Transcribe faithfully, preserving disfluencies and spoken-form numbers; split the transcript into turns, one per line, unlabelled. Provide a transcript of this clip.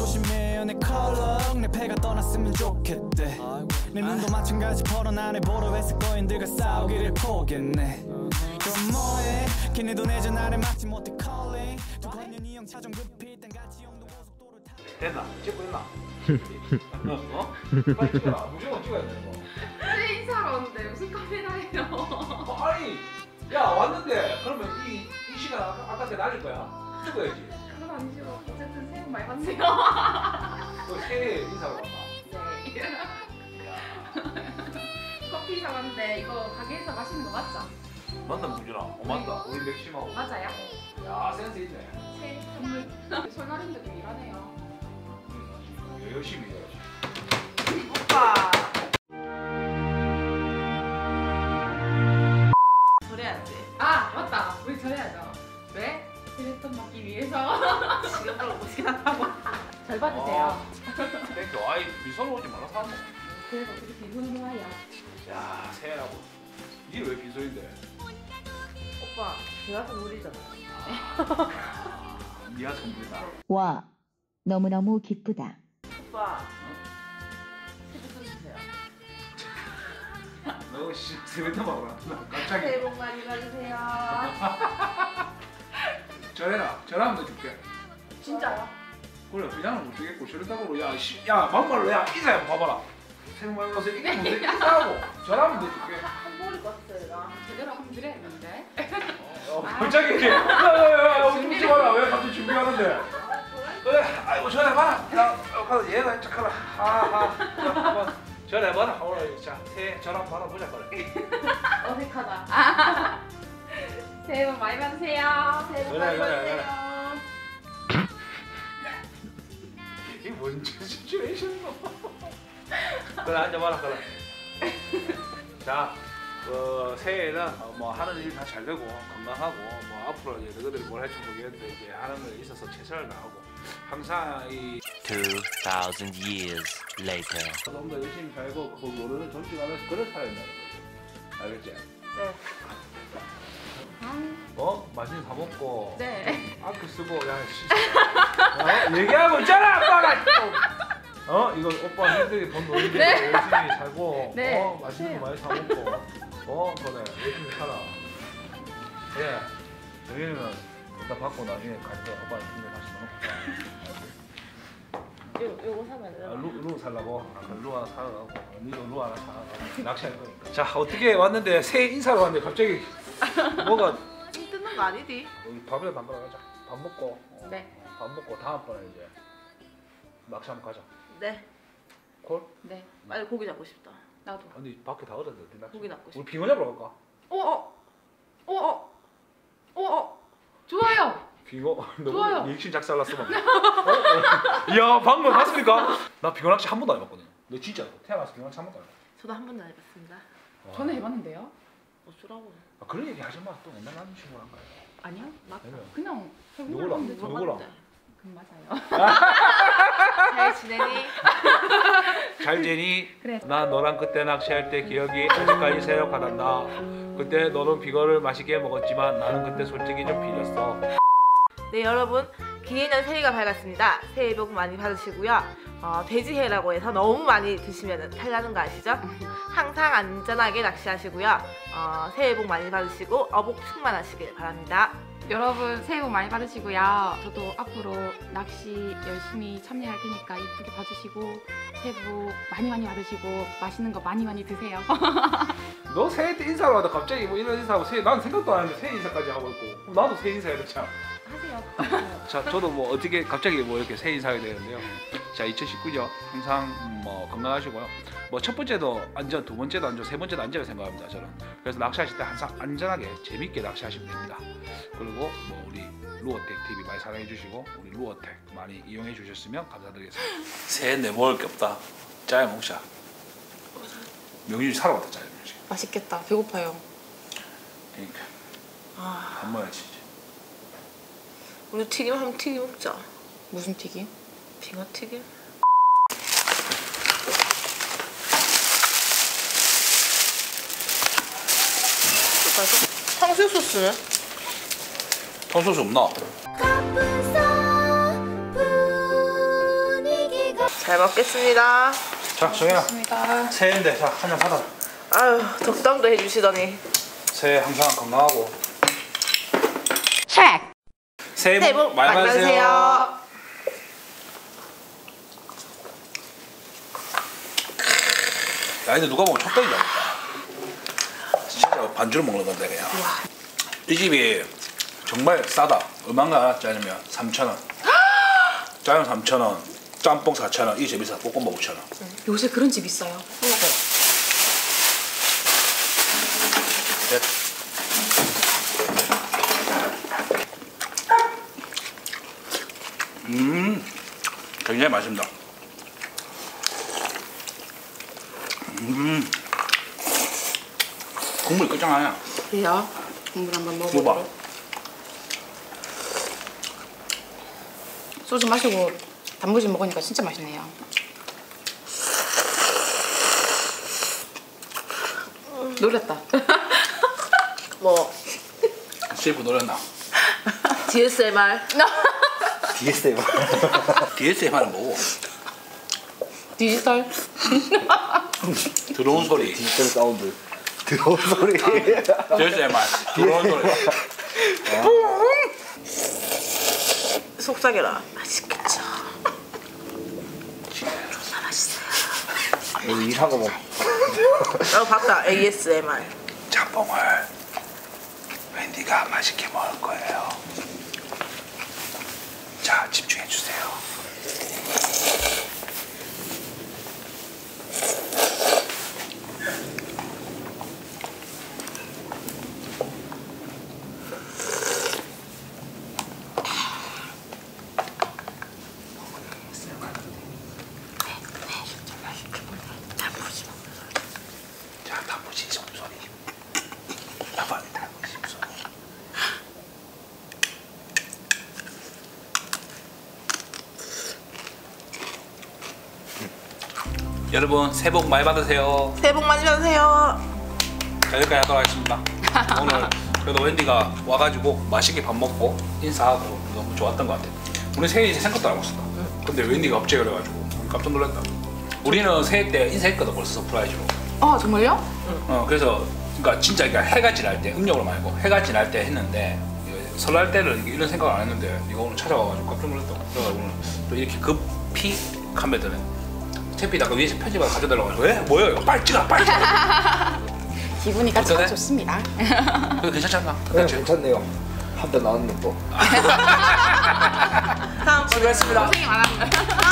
조심해요 내 컬러 내 패가 떠났으면 좋겠대 내 눈도 마찬가지 펄은 안에 보러 했을 거인들과 싸우기를 포기했네 그럼 뭐해 걔네도 내 전화를 막지 못해 calling 두 번년이 형 차종 급히 딴 같이 영동 고속도로 타
됐나? 찍고 있나? 어? 빨리 찍어라. 무조건 찍어야 돼 이거.
새 인사하러 왔는데 무슨 카메라예요?
어, 아니 야 왔는데 그러면 이, 이 시간 아까, 아까한테 날릴 거야? 찍어야지.
그건 아니죠. 어쨌든 새해 복 많이 받으세요.
너 새해 인사로 왔나?
네. 커피 사왔는데 이거 가게에서 마시는 거 맞죠?
맞다 무준아. 어 맞다. 우리 맥심하고.
맞아요.
야 센스 있네.
새해 선물. 설날인데도 일하네요.
응, 열심히 일해야지.
오빠.
절해야지.
아 맞다. 우리 절해야죠. 왜? 세뱃돈 받기 위해서.
지금도 오시긴 한다고.
절 받으세요.
땡큐. 아이 미소로 오지 말라 사람.
그래서 어떻게 비손으로 와요?
야 새해라고. 이게 왜 비소인데?
오빠, 제가 선물이잖아.
니가 선물이다.
와, 너무너무 기쁘다.
오빠, 세뱃돈 주세요.
너 씨 세뱃돈 먹어라. 갑자기.
새해 복 많이 받으세요.
전해라. 전화하면 너 줄게.
진짜요?
그래 그냥은 못 주겠고 저랬다고 야 씨, 야 막말로 야 인사해 봐봐라. 새해 복 많이 받으세요. 이게 무슨 인사하고 전화하면 너 줄게.
한 번일 것 같아요, 나.
제대로 한번 드려야겠는데.
어, 갑자기 야야야야 웃지 마라. 왜 갑자기 준비하는데? 그래 아이고 전화해봐라. 야 가서 얘가 착하라. 하하. 한번 전화해봐라. 오늘 자 새해 전화 한번 받아보자 그래.
어색하다. 새해 복 많이 받으세요. 새해 복
그래,
많이
그래,
받으세요.
이게 뭔 시츄에이션이노? 그래 앉아봐라 그래. 자, 어, 새해에는 어, 뭐 하는 일 다 잘 되고 건강하고 뭐 앞으로 이제 너희들이 뭘 할지 모르겠는데 이제 하는 거에 있어서 최선을 다하고 항상 이
two thousand years later.
좀 더 열심히 살고 그 노래를 존중하면서 그런 사람이라는 거지. 알겠지?
네.
어? 맛있는 거 사 먹고
네.
아껴 쓰고 야 씨. 어? 얘기하고 있잖아 아빠가 어? 이거 오빠 힘들게 돈 노는데
네.
열심히 살고
네.
어? 맛있는 거 많이 사 먹고 어? 그래 열심히 살아. 예 여기는 다 받고 나중에 가서 오빠한테 힘내 다시 넣고
요, 요거 사면 돼요?
아, 루, 루 살라고? 아, 루 하나 사가고 니도 루 하나 사가고 낚시할 거니까. 자 어떻게 왔는데 새해 인사로 왔는데 갑자기 뭐가
찡 뜯는 거 아니디?
여기 밥이라도 한 번 가자. 밥 먹고 어,
네.
밥 먹고 다음번에 이제 낚시 한번 가자.
네.
콜?
네.
빨리 고기 잡고 싶다.
나도.
아니 밖에 다 얼었는데 어디 낚시?
고기 잡고 싶다.
우리 빙어 잡으러 갈까?
어? 어? 어? 어? 어? 어? 좋아요.
빙어?
좋아요.
너 리액션 작살났어 방금. 어? 어? 이야 방금 봤습니까? 나 빙어 낚시 한 번도 안 해봤거든. 너 진짜 태어나서 빙어 낚시 한 번도 안 해봤어.
저도 한 번도 안 해봤습니다.
저는 해봤는데요.
어쩌라고.
아, 그런 얘기 하지 마. 또 맨날 남는 친구 한 거야.
아니요.
맞다.
그냥
누구랑?
해보는데 저-
누구랑?
그럼 맞아요.
잘 지내니?
잘 지니?
그래.
나 너랑 그때 낚시할 때 기억이 아직까지 새록하단다. 그때 너는 빙어를 맛있게 먹었지만 나는 그때 솔직히 좀 비렸어.
네, 여러분. 기해년 새해가 밝았습니다. 새해 복 많이 받으시고요. 어, 돼지해라고 해서 너무 많이 드시면 탈나는 거 아시죠? 항상 안전하게 낚시하시고요. 어, 새해 복 많이 받으시고 어복 충만하시길 바랍니다.
여러분 새해 복 많이 받으시고요. 저도 앞으로 낚시 열심히 참여할 테니까 이쁘게 봐주시고 새해 복 많이 많이 받으시고 맛있는 거 많이 많이 드세요.
너 새해 때 인사를 하다 갑자기 뭐 이런 인사하고 새해 난 생각도 안 했는데 새해 인사까지 하고 있고 그럼 나도 새해 인사해야 되잖아.
하세요.
자 저도 뭐 어떻게 갑자기 뭐 이렇게 새해 인사하게 되는데요. 자 이천십구 년 항상 뭐 건강하시고요. 뭐 첫 번째도 안전, 두 번째도 안전, 세 번째도 안전을 생각합니다 저는. 그래서 낚시하실 때 항상 안전하게 재밌게 낚시하시면 됩니다. 그리고 뭐 우리 루어텍 티비 많이 사랑해 주시고 우리 루어텍 많이 이용해 주셨으면 감사드리겠습니다. 새해 내 먹을 게 없다. 짜야 먹자. 명준이 사러 갔다 짜야 먹자.
맛있겠다. 배고파요.
그러니까
아,
한 번에 치지.
우리 튀김 한번 튀김 먹자.
무슨 튀김?
빙어 튀김? 탕수육 소스는?
탕수육 없나?
잘 먹겠습니다.
자, 정현아.
고맙습니다.
새해인데 자, 한 잔 받아.
아유, 덕담도 해주시더니.
새해 항상 건강하고.
책.
새해
새해
복
복
많이
많이
받으세요.
받으세요.
야, 근데 누가 보면 촉떡이다. 진짜 반주로 먹는 건데 그냥. 이 집이 정말 싸다. 얼마인가 짜장면 삼천 원. 짜장 삼천 원, 짬뽕 사천 원, 이 집이 싸. 볶음밥 오천 원.
요새 그런 집 있어요.
넷. 음, 굉장히 맛있습니다. 음, 국물이 끝장나냐?
그래요? 국물 한번
이거 봐.
먹어보고. 소주 마시고 단무지 먹으니까 진짜 맛있네요. 놀랬다.
뭐,
셰프 노렸나?
디에스엠알.
디에스엠.
디에스엠알은 뭐고?
디지털.
들어온 소리.
디지털 사운드. 들어온 소리.
디에스엠알. 들어온 소리.
속삭여라. 맛있겠죠. 존나 맛있어요.
여기 이상한 거 먹.
어, 봤다. 에이에스엠알.
짬뽕을 웬디가 맛있게 먹을 거예요. 자, 집중해 주세요. 자, 단무지 숨소리. 봐봐, 단무지 숨소리. 여러분, 새해 복 많이 받으세요.
새해 복 많이 받으세요.
자, 여기까지 하도록 하겠습니다. 오늘 그래도 웬디가 와가지고 맛있게 밥 먹고 인사하고 너무 좋았던 것 같아요. 우리 새해 이제 생각도 안 했었다. 근데 웬디가 갑자기 그래가지고 깜짝 놀랐다. 우리는 새해 때 인사했거든 벌써 서프라이즈로.
아 정말요?
어 그래서 그러니까 진짜 그러니까 해가 지날 때 음력으로 말고 해가 지날 때 했는데 이거 설날 때는 이런 생각 안 했는데 네가 오늘 찾아와가지고 깜짝 놀랐다. 그래서 오늘 또 이렇게 급히 카메라는 채피 아까 위에서 편집하고 가져달라고 해서 왜? 뭐야 이거 빨리 찍어 빨리 찍어.
기분이가 참
어떠네?
좋습니다.
그거 괜찮지 않나?
네,
그렇지?
괜찮네요. 한 대 나왔네 또.
다음
수고했습니다.
고생이 많았습니다.